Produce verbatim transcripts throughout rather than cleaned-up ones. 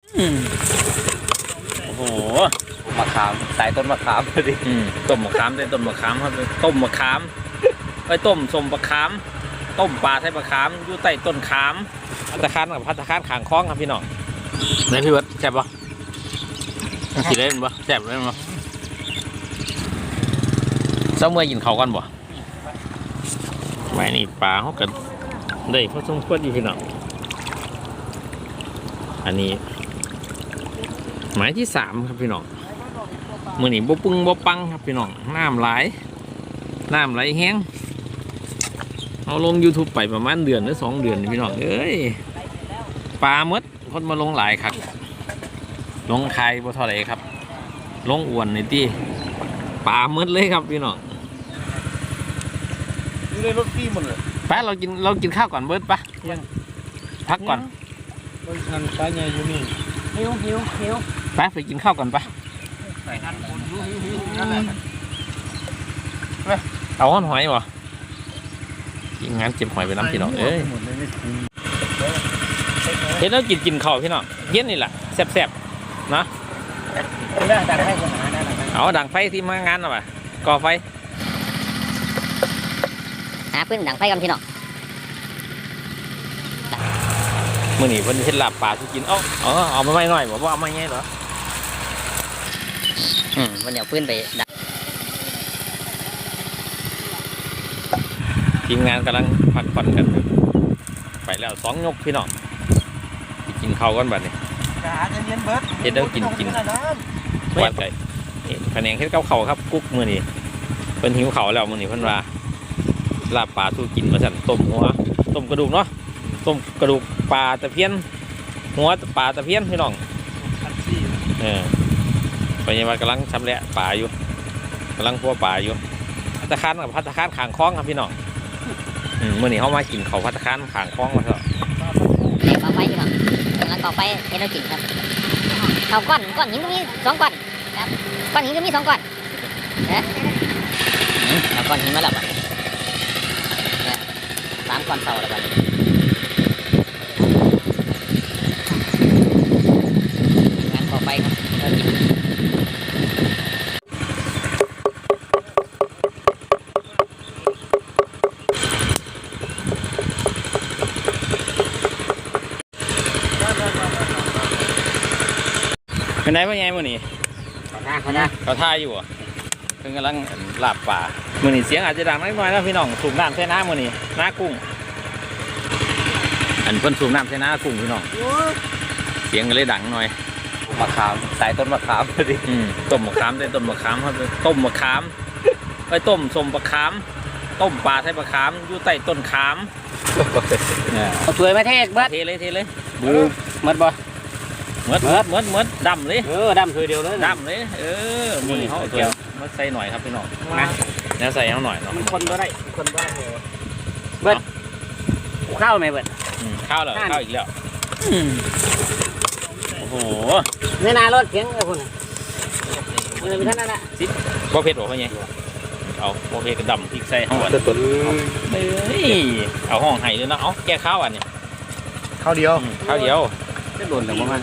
โอ้โหมะขามสายต้นมะขามพอดีต้มมะขามได้ต้นมะขามครับต้มมะขามไปต้มสมมะขามต้มปลาใส่มะขามอยู่ใต้ต้นขามพัตตาคารกับพัตตาคารขางคล้องครับพี่น้องไหนพี่เบิร์ดแซ่บปะสีได้ปะแซ่บได้ปะเจ้าเมื่อกินเขากันบ่ไม่นี่ปลาเขากันได้เพราะสมควรอยู่พี่น้องอันนี้หมายที่สามครับพี่น้องมือนี่บ่ปึงบ่ปังครับพี่น้องน้ำไหลน้ำไหลแห้งเอาลง ยูทูบ ไปประมาณเดือนหรือสองเดือนพี่น้องเอ้ยปลาเมดคนมาลงหลายครับลงใครบ่เท่าไหร่ครับลงอ้วนในที่ปลาเมดเลยครับพี่น้องอยู่ในรถพี่หมดเลยไปเรากินเรากินข้าวก่อนเบิร์ดปะยังพักก่อนรถคันปลาใหญ่อยู่นี่หิวหิวหิวไปไปกินข้าวก่อนปะเอาห้อนหอยบ่กินงานเจ็บหอยไปน้ำพี่น้องเอ้ยเห็นแล้วกินกินข้าวพี่น้องเย็นนี่แหละแซ่บๆนะเอาดังไฟที่มางานหน่อยก่อไฟหาพื้นดังไฟกันพี่น้องมื่อนี้เพิ่นเฮ็ดลาบปลาที่กินเอ้าเอาเอามาไม่หน่อยบอกว่าเอามาไงเหรออืมวันเดี๋ยวพื้นไปดักทีมงานกำลังพักผ่อนกันไปแล้วสองยกพี่น้องกินข้าวกันบัดนี้เฮ็ดแล้วกินกินหวานไก่แผนงเฮ็ดกับข้าวครับกุ๊กมื้อนี้เพิ่นหิวข้าวแล้วมื้อนี้เพิ่นว่าลาบปลาสู้กินมาสั่นต้มหัวต้มกระดูกเนาะต้มกระดูกปลาตะเพียนหัวปลาตะเพียนพี่น้องเออไปยังว่ากำลังชำแหละปลาอยู่กำลังพัวปลาอยู่พัตตาคารกับพัตตาคารขางคล้องครับพี่น้องเมื่อนี้เขามากินเขาพัตตาคารขางคล้องมาเถอะก่อไฟพี่น้องแล้วก่อไฟให้เรากินครับเอาก้อนก้อนหินก็มีสองก้อนครับก้อนหินก็มีสองก้อนเอ๊ะเอาก้อนหินมาแล้วสามก้อนเสาแล้วกันงานก่อไฟครับเรากินเป็นไงเป็นไงมื่อนี้เขาท่าเขาท่าเขาท่าอยู่อ่ะเพิ่งกำลังลาบป่ามื่อนี้เสียงอาจจะดังนิดหน่อยนะพี่น้องสูบน้ำใส่น้ำมื่อนี้น้ากุ้งอันเพิ่นสูบน้ำใส่น้ากุ้งพี่น้องเสียงก็เลยดังหน่อยมะขามสายต้นมะขามพอดีต้มมะขามได้ต้มมะขามครับต้มมะขามไปต้มสมมะขามต้มปลาใส่มะขามอยู่ใต้ต้นขามเอาถ้วยมาเทศเบิดเทเลยเทเลยบูมัดบ่มัดมัดมัดมัดดำเลยเออดำถ้วยเดียวเลยดำเลยเออมือเขาเกี่ยวมาใส่หน่อยครับพี่น้องนะแล้วใส่เขาหน่อยเนาะคนก็ได้คนก็ได้เบิดข้าวไหมเบิดข้าวเหรอข้าวอีกแล้วโอ้โหเนื้อนาลดเสียงไอ้คนเออมีท่านนั่นแหละซิปโบเผ็ดหรอพ่อไงเอาโบเผ็ดกระดำพริกใส่ห้องตัวเฮ้ยเอาห้องไห้เลยนะเอาแก้ข้าวอันนี้ข้าวเดียวข้าวเดียวไม่โดนหรือว่า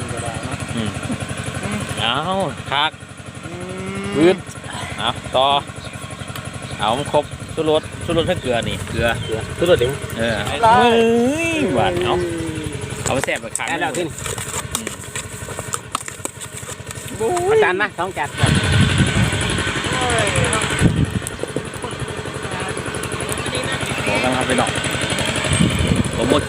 เอาคักพื้นเอาต่อเอาครบสุรสสุรสให้เกลือนี่เกลือเกลือสุรสเดี๋ยวเออเฮ้ยหวานเอาเอาไปแซ่บไปขายแล้วขึ้นอาจารย์นะต้องจัดบอกกันครับไปหน่อยผมหมด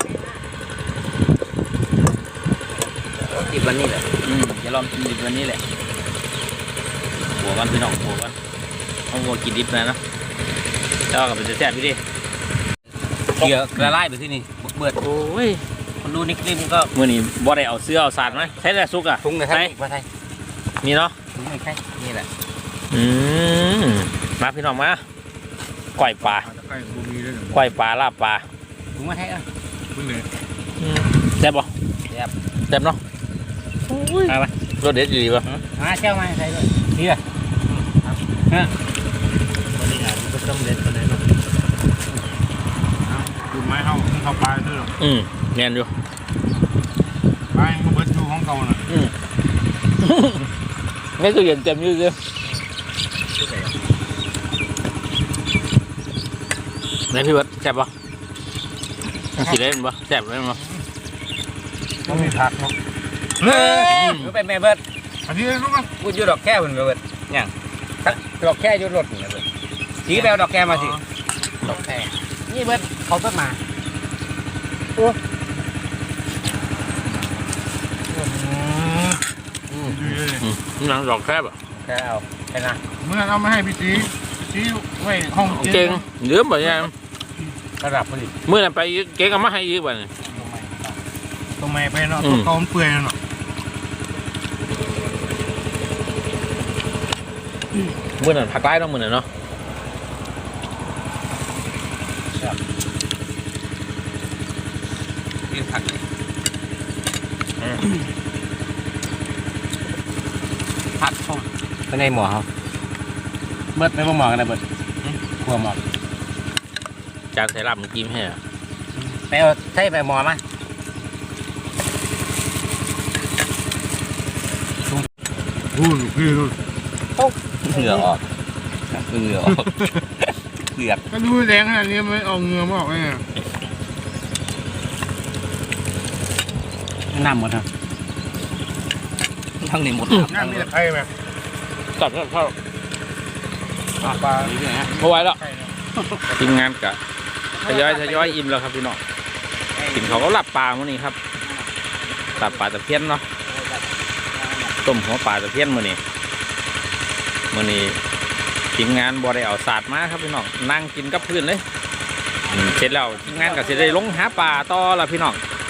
ดิบวันนี้แหละอืมจะลองกินดิบวันนี้แหละหัวกันพี่น้องหัวกันเอาหัวกินดิบนะนะแล้วก็เป็นแซ่บพี่ดิเกลือกระไล่ไปที่นี่เบิดโอ้ยคนดูนิกลิมก็มื่อนี้บ่ได้เอาเสื้อเอาสารไหมใช้แต่ซุกอ่ะถุงเลยครับมาไทยมีเนาะถุงไม่ใช่นี่แหละอืมมาพี่น้องมาก่อยปลาก่อยปลาลาบปลาถุงมาไทยอ่ะถุงเลยแซ่บบ่แซ่บแซ่บเนาะอะไรรสเด็ดดีป่ะมาเชี่ยวมาใส่เลยนี่อ่ะฮะวันนี้อ่ะมันต้องเด็ดคนไหนเนาะดูไม้เข้าเข้าปลาด้วยหรออืมแน่นอยู่ปลามันเบิดดูของเก่าน่ะไม่ตู้เย็นเต็มอยืดเลยไหนพี่เบิร์ดแซ่บปะสีได้ปะแซ่บได้ปะต้องมีผักเนาะเฮ้ยไปแม่เบิดอันนี้รู้มั้ยพูดอยู่ดอกแค่เพิ่นเบิดยังดอกแค่อยู่รถนี่เบิดสีแปลดอกแค่มาสิดอกแค่นี่เบิดเขาต้นมาหนังดอกแคบอ่ะแค่เอาแค่นะเมื่อเอามาให้พี่จีจีไว้ห้องเก่งเหลือบ่ยังระดับพอดีเมื่อนั้นไปเก่งเอามาให้ยืมบ่เนี่ยตรงไหนไปเนาะตัวเก่ามันเปื่อยเนาะเมื่อนั้นผักไร้ต้องมื่อนั้นเนาะกินผักผักส้มเป็นในหมอเขาเบิดไม่บ่หมอกันนะเบิดขัวหมอจานใส่ลาบมันกินให้อ่ะไปเอาใส่ไปหมอมาอู้พี่ดูเหงื่อออกเหงื่อออกเลือดก็ดูแดงขนาดนี้ไม่เอาเงือมาออกเลยน้ำหมดครับทั้งนี้หมดน้ำมีแต่ไข่แบบจับจับเข้าปลาไม่ไหวแล้วทีมงานกะทยอยทยอยอิ่มแล้วครับพี่น้องกินเขาก็หลับปลามื้อนี้ครับหลับปลาตะเพียนเนาะต้มหัวปลาตะเพียนมื้อนี้มื้อนี้ทีมงานบ่ได้เอาสาดมาครับพี่น้องนั่งกินกับพื้นเลยอืมเสร็จแล้วทีมงานก็สิได้ลงหาปลาต่อแล้วพี่น้อง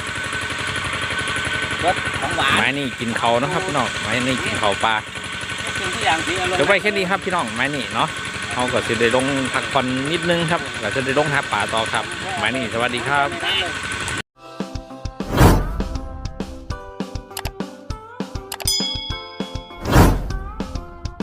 ของหวานไม้นี่กินเขาเนาะครับพี่น้องไม้นี่กินเขาปลากินทุกอย่างสีอร่อยเดี๋ยวไปแค่นี้ครับพี่น้องไม้นี่เนาะเขาก็จะได้ลงพักผ่อนนิดนึงครับก็จะได้ลงหาปลาต่อครับไม้นี่สวัสดีครับเลย